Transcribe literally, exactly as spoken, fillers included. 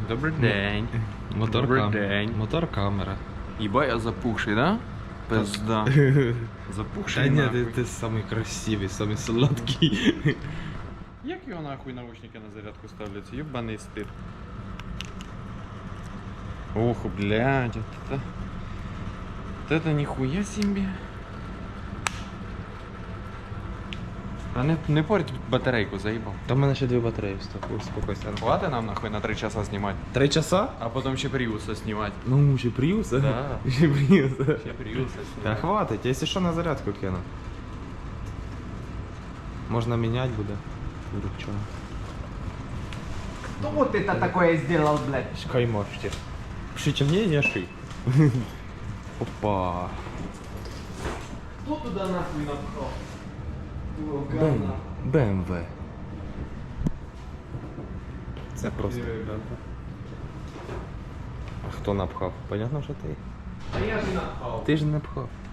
Добрий день. Мотор, Добрий кам... день. Мотор камера. Єба я запухший, да? Пизда. Запухший Та ні, нахуй. ти, ти самий красивий, самий солодкий. Як його нахуй наушники на зарядку ставляться? Єбаний стир. Ох, блядь, это... Вот это нихуя себе. А не, не порть батарейку, заїбав. Там в мене ще дві батареї встав. Успокойся. Хватит нам нахуй на три часа знімати. Три часа? А потім ще Приуса знімати. Ну, ще Приуса? Да. Ще Приуса. Ще Приуса Та знімати. хватить, якщо що на зарядку кину. Можна міняти буде. Чого? Кто вот это такое сделал, блядь? Шкай можете. Пишите мне, я ши. Опа. Кто туда нахуй напхал? Его Бем... говна. БМВ. Це просто. А хто напхав? Понятно, що ти? А я же напхал. Ти ж не напхав.